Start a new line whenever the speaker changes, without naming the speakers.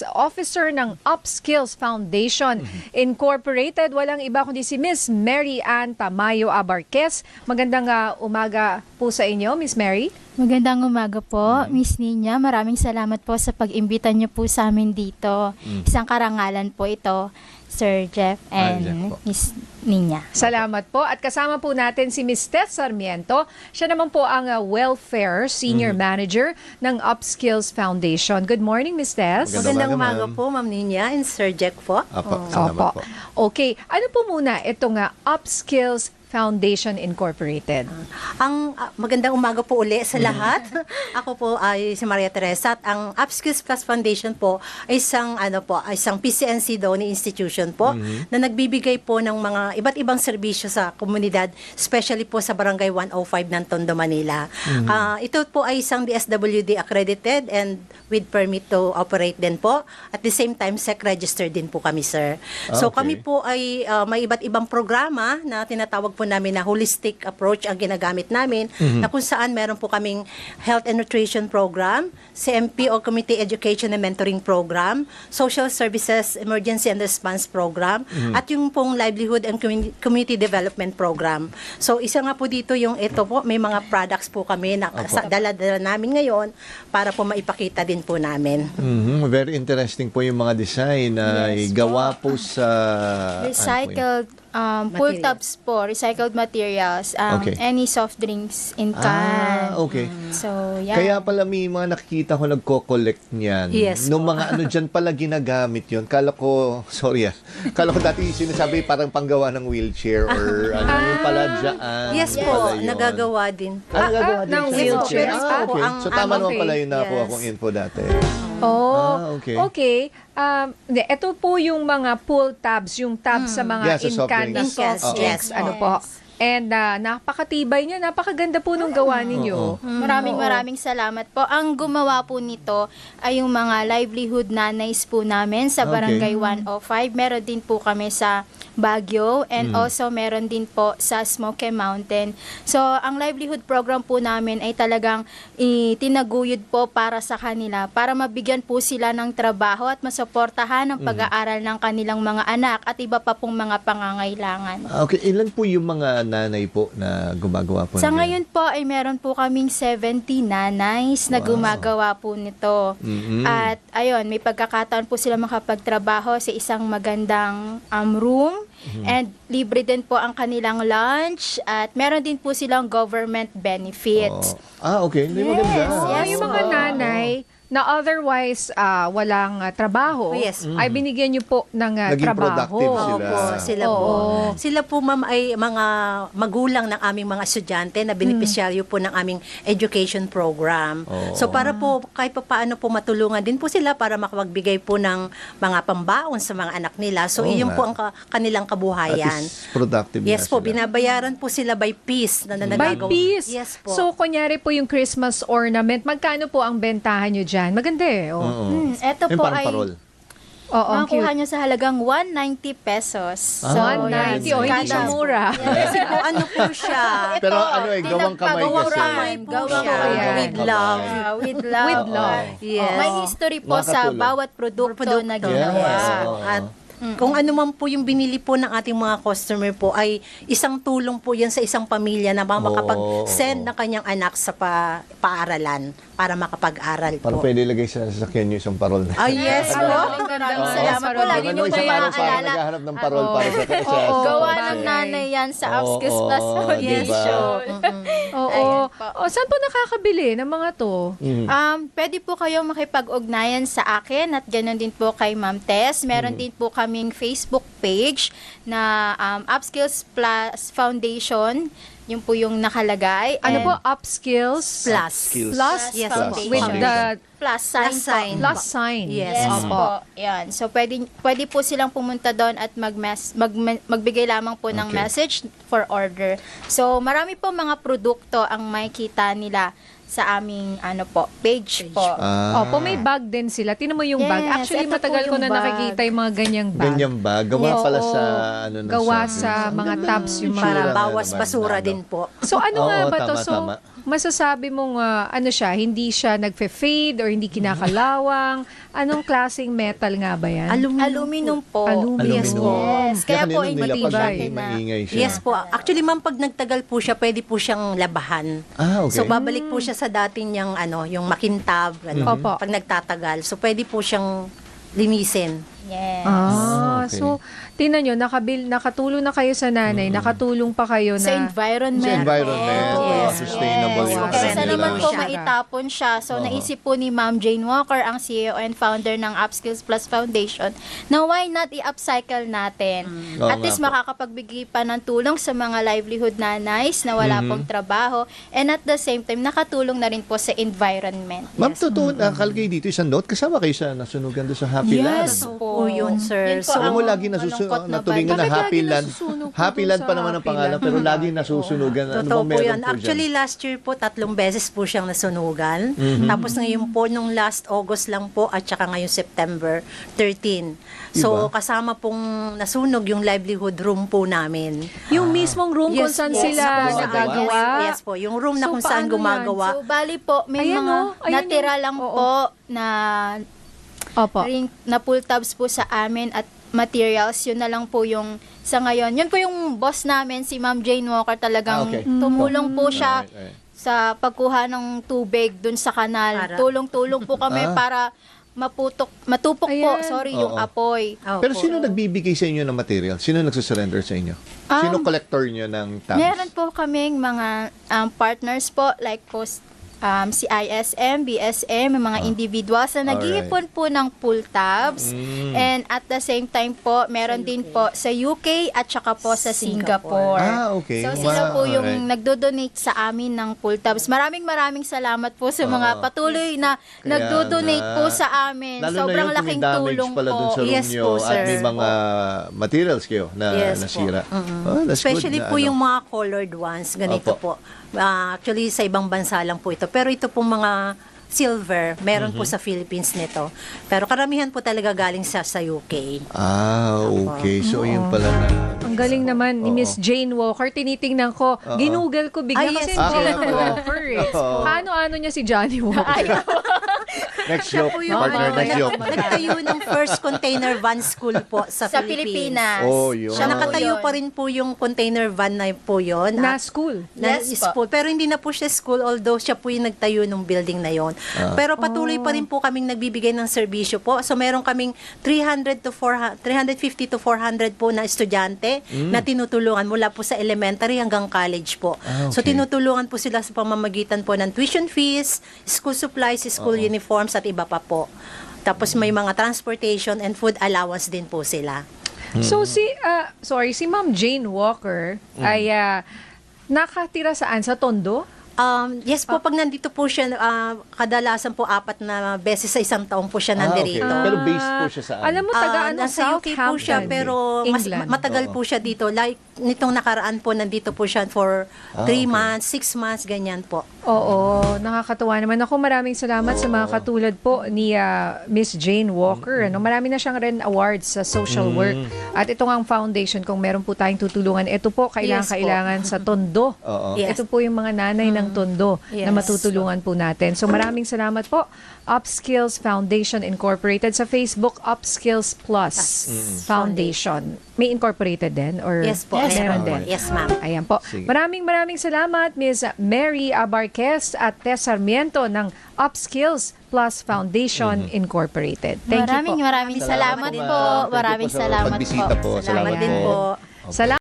Finance Officer ng Upskills Foundation Incorporated. Walang iba kundi si Miss Mary Ann Tamayo Abarquez. Magandang umaga po sa inyo, Miss Mary.
Magandang umaga po, Miss Nina. Maraming salamat po sa pag-imbita niyo po sa amin dito. Isang karangalan po ito, Sir Jeff and Miss Nina.
Salamat po. At kasama po natin si Miss Tess Sarmiento. Siya naman po ang Welfare Senior Manager ng Upskills Foundation. Good morning, Miss Tess.
Magandang umaga po, Ma'am Nina and Sir Jack po.
Opo. Okay. Ano po muna itong Upskills Foundation Incorporated?
Ang magandang umaga po uli sa lahat. Ako po ay si Maria Teresa at ang Upskills Plus Foundation po ay isang PCNC donor institution po na nagbibigay po ng mga iba't ibang serbisyo sa komunidad, especially po sa Barangay 105 ng Tondo, Manila. Ito po ay isang DSWD accredited and with permit to operate din po. At the same time, SEC registered din po kami, sir. So kami po ay may iba't ibang programa na tinatawag po namin na holistic approach ang ginagamit namin, na kung saan meron po kaming health and nutrition program, CMP o Community Education and Mentoring Program, Social Services Emergency and Response Program, at yung pong Livelihood and Community Development Program. So isa nga po dito yung ito po, may mga products po kami na dala-dala namin ngayon para po maipakita din po namin.
Very interesting po yung mga design na gawa po sa
Recycled full tubs po, recycled materials, any soft drinks in can. So, yan.
Kaya pala may mga nakikita ko nagko-collect niyan.
Yes,
Nung mga ano dyan pala ginagamit yun. Kala ko, kala ko dati sinasabi parang panggawa ng wheelchair or ano yung pala dyan.
Yes po, nagagawa din.
Nagagawa din
ng
siya.
wheelchair.
So tama naman pala yung nakuha kong info dati.
Okay. Ito po yung mga pull tabs, yung tabs sa mga in-can na soft drinks. Ano po? And napakatibay niya, napakaganda po nung gawa ninyo.
Maraming salamat po. Ang gumawa po nito ay yung mga livelihood nanays po namin sa Barangay 105. Meron din po kami sa Baguio and also meron din po sa Smoky Mountain. So, ang livelihood program po namin ay talagang itinaguyod po para sa kanila, para mabigyan po sila ng trabaho at masuportahan ang pag-aaral ng kanilang mga anak at iba pa pong mga pangangailangan.
Okay, ilan po yung mga nanay po na gumagawa po?
Sa ngayon po ay meron po kaming 70 nanays na gumagawa po nito. At ayun, may pagkakataon po sila makapagtrabaho sa isang magandang room. And libre din po ang kanilang lunch at meron din po silang government benefits.
Okay. Hindi maganda.
Yung mga nanay na otherwise walang trabaho, ay binigyan niyo po ng
Naging
trabaho.
productive sila.
Sila po, ma'am, ay mga magulang ng aming mga estudyante na beneficiaryo po ng aming education program. So para po kahit pa paano po matulungan din po sila para makapagbigay po ng mga pambaon sa mga anak nila. So iyon po ang kanilang kabuhayan.
At least productive
Yes po,
sila.
binabayaran po sila by piece na
By piece?
Yes po.
So, kunyari po yung Christmas ornament, magkano po ang bentahan nyo dyan? Maganda eh.
Ito
Yung
po
parang
ay
parol.
makuha nyo sa halagang 190 pesos. So,
190. Hindi siya mura.
Kasi po ano po siya.
Pero gawang kamay kasi.
Gawang kamay. With love.
With love.
With love.
Yes.
May history po sa
Makatulong.
bawat produkto na ginawa.
Yes.
At kung ano man po yung binili po ng ating mga customer po ay isang tulong po yan sa isang pamilya na makapag-send ng kanyang anak sa paaralan para makapag-aral po.
Parang pwede lagay sa sasakyan nyo isang parol na.
Yes po.
Maraming salamat po. Lagi nyo
Isang
kayo
araw para
maalala.
naghahanap ng parol para sa
Gawa ng nanay yan sa Upskills Plus Foundation.
Saan po nakakabili ng mga to?
Pwede po kayong makipag-ugnayan sa akin at ganoon din po kay Ma'am Tess. Meron din po kaming Facebook page na Upskills Plus Foundation. Yun po yung nakalagay.
Ano po? Upskills?
Plus.
Plus?
Yes
Foundation.
po.
With the
plus sign.
plus sign.
Yes.
Yes po. Yan. So pwede po silang pumunta doon at magbigay lamang po ng message for order. So marami po mga produkto ang makikita nila sa aming page po.
Opo, may bag din sila. Tinan mo yung bag.
Yes,
Actually,
ito po
matagal ko
yung
na
bag.
nakikita yung mga ganyang bag.
Ganyan ba? Gawa
Yes.
pala
Oo.
sa
Gawa
service.
sa
Ang
mga
ganda
tabs
ng
yung mga-
Para
itsura
bawas
naman
basura
na,
din po.
So ano nga
Oo,
ba to?
tama,
So
tama.
masasabi mong hindi siya nagfe-fade or hindi kinakalawang? Anong klaseng metal nga ba yan?
Aluminum po.
Aluminum.
Yes, yes. Kaya po,
kanina
hindi
nila pag
matibay.
maingay siya.
Yes po. Actually, ma'am, pag nagtagal po siya, pwede po siyang labahan.
Ah, okay.
So, babalik po siya sa dati niyang, yung makintab,
Opo.
pag nagtatagal. So, pwede po siyang linisin.
Yes.
okay.
So, tinan nyo, nakatulong na kayo sa nanay, nakatulong pa kayo
Sa
na...
environment.
Sa environment.
Yes.
Sustainable
Yes.
yung
Kaysa
Kaysa
kanila.
naman po
Siya.
maitapon siya. So, naisip po ni Ma'am Jane Walker, ang CEO and founder ng Upskills Plus Foundation, na why not i-upcycle natin?
Oo
At
nga
least
po.
makakapagbigay pa ng tulong sa mga livelihood nanays na wala pong trabaho. And at the same time, nakatulong na rin po sa environment.
Ma'am, totoo, nakalagay dito isang note. Kasama kayo sa nasunugan doon sa Happy Land.
Yes
Po yun, sir.
Yun po
So,
Alam mo,
ang
lagi
malungkot na
naturingan na
Bakit
Happy
lagi
Land.
nasusunog po
Happy
doon
Land
sa
pa naman ang
Happy
pangalan,
Land?
pero lagi nasusunugan. Ano
Totoo
bang
po
meron
yan.
po
Actually,
dyan?
last year po, 3 beses po siyang nasunugan. Tapos ngayon po, nung last August lang po, at saka ngayon September 13. So,
Iba.
kasama pong nasunog yung livelihood room po namin.
Yung mismong room kung saan
yes,
sila
po,
nagagawa.
Yes po, yung room na
So,
kung saan
paano yan?
gumagawa.
So, bali po, may
Ayan,
mga
ayun
natira
yung-
lang
oo.
po na
Opo.
na pull tabs po sa amin at materials. Yun na lang po yung sa ngayon. Yun po yung boss namin, si Ma'am Jane Walker, talagang
Okay.
tumulong po siya
Alright.
sa pagkuha ng tubig dun sa kanal.
Para-
Tulong-tulong po kami para matupok po,
Ayan.
yung
Oo.
apoy.
Pero
Opo.
sino nagbibigay sa inyo ng material? Sino nagsusurrender sa inyo? Sino collector nyo ng tabs?
Meron po kaming mga partners po, like po si ISM, BSM, may mga individuals na nag-iipon po ng pull tabs. And at the same time po, meron din po sa UK at saka po sa Singapore.
Ah, okay.
So sila po
Wow,
yung
alright.
nagdo-donate sa amin ng pull tabs. Maraming salamat po sa mga
Oo.
patuloy na
Kaya
nagdo-donate
nga.
po sa amin.
Lalo
Sobrang
na yun, kung
laking
may damage
tulong
pala dun
po.
sa room
Yes
nyo
po,
at
sir.
may mga materials kayo na
Yes po.
nasira. Oh, that's
Especially
good
po
na,
yung mga colored ones, ganito
Opo.
po. Actually, sa ibang bansa lang po ito. Pero ito pong mga silver, meron po sa Philippines nito. Pero karamihan po talaga galing sa UK.
Ah, okay. So, yun pala na.
Ang galing naman ni Miss Jane Walker. Tinitingnan ko. Ginugol ko bigla
Ay,
kasi
yes.
Jane
Kaya pala.
Walker eh.
Oo.
Ano niya si Johnny Walker?
Next joke,
Po yung
partner, next joke.
nagtayo ng first container van school po sa,
Sa
Philippines.
Pilipinas.
Oh, yun.
Siya
Siya
nakatayo
po
pa
yun.
rin po yung container van na po yun.
Na
At-
school.
na
Yes po.
school. Pero hindi na po siya school, although siya po yung nagtayo ng building na yon. Pero patuloy pa rin po kaming nagbibigay ng serbisyo po. So meron kaming 350 to 400 po na estudyante na tinutulungan mula po sa elementary hanggang college po.
Ah,
So
okay.
tinutulungan po sila sa pamamagitan po ng tuition fees, school supplies, school uniforms at iba pa po. Tapos may mga transportation and food allowance din po sila.
So si Ma'am Jane Walker ay nakatira saan? Sa Tondo?
Yes po, pag nandito po siya, kadalasan po 4 na beses sa isang taon po siya nandirito.
okay. Pero based po siya saan?
Alam mo, taga
Nasa UK po siya,
Southampton.
pero
England.
matagal po siya dito. Like, nitong nakaraan po, nandito po siya for 3
okay.
months, 6 months, ganyan po.
Oo, nakakatuwa naman. Ako, maraming salamat sa mga katulad po ni Miss Jane Walker. Ano, marami na siyang rin awards sa social work. At ito nga ang foundation, kung meron po tayong tutulungan. Ito po, kailangan sa Tondo.
Oo.
Yes.
Ito po yung mga nanay ng Tondo na
Yes.
matutulungan po natin. So maraming salamat po. Upskills Foundation Incorporated sa Facebook, Upskills Plus Foundation. May incorporated din? Or
Yes po.
meron
meron
din?
po. Yes, ma'am.
Ayan po.
Sige.
Maraming salamat, Ms. Mary Abarquez at Tess Sarmiento ng Upskills Plus Foundation Incorporated. Thank you po.
Maraming salamat
Salamat
po.
po, ma'am. Thank you
Maraming
po sa
salamat
pagbisita po.
Salamat din po.
Salamat.